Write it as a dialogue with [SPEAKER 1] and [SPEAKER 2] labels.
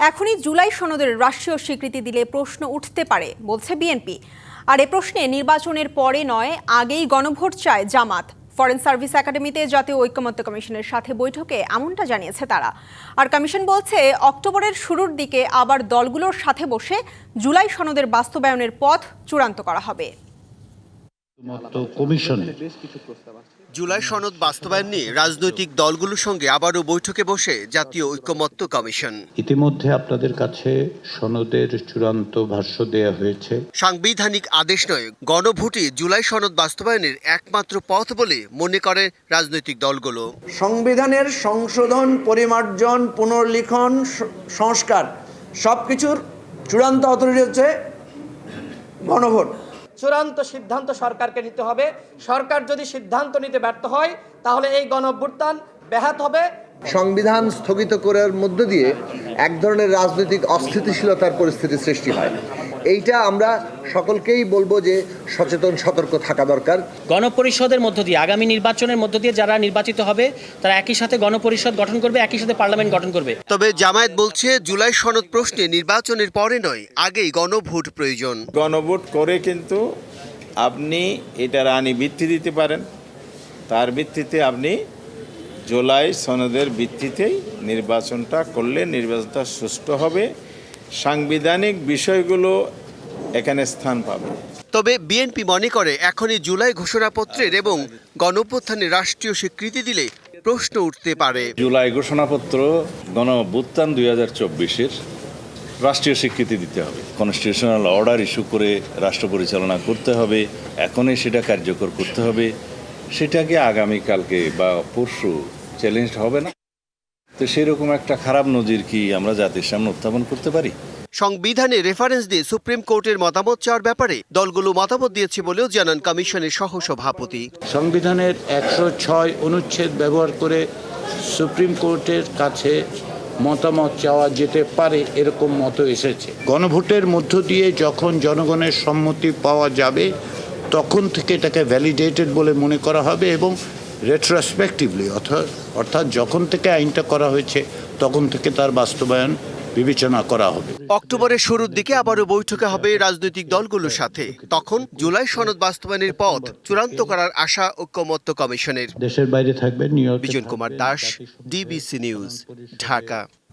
[SPEAKER 1] এখনই জুলাই সনদের রাষ্ট্রীয় স্বীকৃতি দিলে প্রশ্ন উঠতে পারে বলছে বিএনপি। আর এ প্রশ্নে নির্বাচনের পরে নয়, আগেই গণভোট চায় জামাত। ফরেন সার্ভিস একাডেমিতে জাতীয় ঐকমত্য কমিশনের সাথে বৈঠকে এমনটা জানিয়েছে তারা। আর কমিশন বলছে অক্টোবরের শুরুর দিকে আবার দলগুলোর সাথে বসে জুলাই সনদের বাস্তবায়নের পথ চূড়ান্ত করা হবে।
[SPEAKER 2] জুলাই সনদ বাস্তবায়ন নিয়ে রাজনৈতিক দলগুলোর সঙ্গে আবারও বৈঠকে বসে জাতীয় ঐকমত্য কমিশন।
[SPEAKER 3] ইতিমধ্যে আপনাদের কাছে সনদের চূড়ান্ত ভাষ্য দেয়া হয়েছে।
[SPEAKER 2] সাংবিধানিক আদেশ নয়, গণভোটই জুলাই সনদ বাস্তবায়নের একমাত্র পথ বলে মনে করে রাজনৈতিক দলগুলো।
[SPEAKER 4] সংবিধানের সংশোধন, পরিমার্জন, পুনর্লিখন, সংস্কার সবকিছুর চূড়ান্ত অথরিটি হচ্ছে গণভোট।
[SPEAKER 5] চূড়ান্ত সিদ্ধান্ত সরকারকে নিতে হবে। সরকার যদি সিদ্ধান্ত নিতে ব্যর্থ হয় তাহলে এই গণঅভ্যুত্থান ব্যাহত হবে।
[SPEAKER 6] সংবিধান স্থগিত করার মধ্য দিয়ে এক ধরনের রাজনৈতিক অস্থিতিশীলতার পরিস্থিতি সৃষ্টি হয়। এইটা আমরা সকলকেই বলবো যে সচেতন, সতর্ক থাকা দরকার।
[SPEAKER 7] গণপরিষদের মধ্য দিয়ে, আগামী নির্বাচনের মধ্য দিয়ে যারা নির্বাচিত হবে তারা একই সাথে গণপরিষদ গঠন করবে, একই সাথে পার্লামেন্ট গঠন করবে।
[SPEAKER 2] তবে জামায়াত বলছে জুলাই সনদ প্রশ্নে নির্বাচনের পরে নয়, আগেই গণভোট প্রয়োজন।
[SPEAKER 8] গণভোট করে কিন্তু আপনি এটার আইনি ভিত্তি দিতে পারেন, তার ভিত্তিতে আপনি জুলাই সনদের ভিত্তিতেই নির্বাচনটা করলে নির্বাচনটা সুষ্ঠু হবে, সাংবিধানিক বিষয়গুলো এখানে স্থান পাবে।
[SPEAKER 2] তবে বিএনপি মনে করে এখনই জুলাই ঘোষণাপত্রের এবং গণঅভ্যুত্থানের রাষ্ট্রীয় স্বীকৃতি দিলে প্রশ্ন উঠতে পারে।
[SPEAKER 9] জুলাই ঘোষণাপত্র গণঅভ্যুত্থান 2024-এর রাষ্ট্রীয় স্বীকৃতি দিতে হবে, কনস্টিটিউশনাল অর্ডার ইস্যু করে রাষ্ট্র পরিচালনা করতে হবে, এখনই সেটা কার্যকর করতে হবে। সেটাকে আগামীকালকে বা পরশু চ্যালেঞ্জ হবে না, তো সেরকম একটা খারাপ নজির কি আমরা জাতির সামনে উত্থাপন করতে পারি?
[SPEAKER 2] সংবিধানে রেফারেন্স দিয়ে সুপ্রিম কোর্টের মতামত চাওয়ার ব্যাপারে দলগুলো মতামত দিয়েছে বলেও জানান কমিশনের সহসভাপতি।
[SPEAKER 3] সংবিধানের 106 অনুচ্ছেদ ব্যবহার করে সুপ্রিম কোর্টের কাছে মতামত চাওয়া যেতে পারে, এরকম মত এসেছে। গণভোটের মধ্য দিয়ে যখন জনগণের সম্মতি পাওয়া যাবে তখন থেকে এটাকে ভ্যালিডেটেড বলে মনে করা হবে এবং রেট্রোস্পেক্টিভলি অর্থাৎ যখন থেকে আইনটা করা হয়েছে তখন থেকে তার বাস্তবায়ন বিবেচনা করা হবে।
[SPEAKER 2] অক্টোবরের শুরুর দিকে আবারও বৈঠকে হবে রাজনৈতিক দলগুলোর সাথে। তখন জুলাই সনদ বাস্তবায়নের পথ চূড়ান্ত করার আশা ঐকমত্য কমিশনের।
[SPEAKER 3] দেশের বাইরে থাকবেন
[SPEAKER 2] বিজন কুমার দাস, ডিবিসি নিউজ, ঢাকা।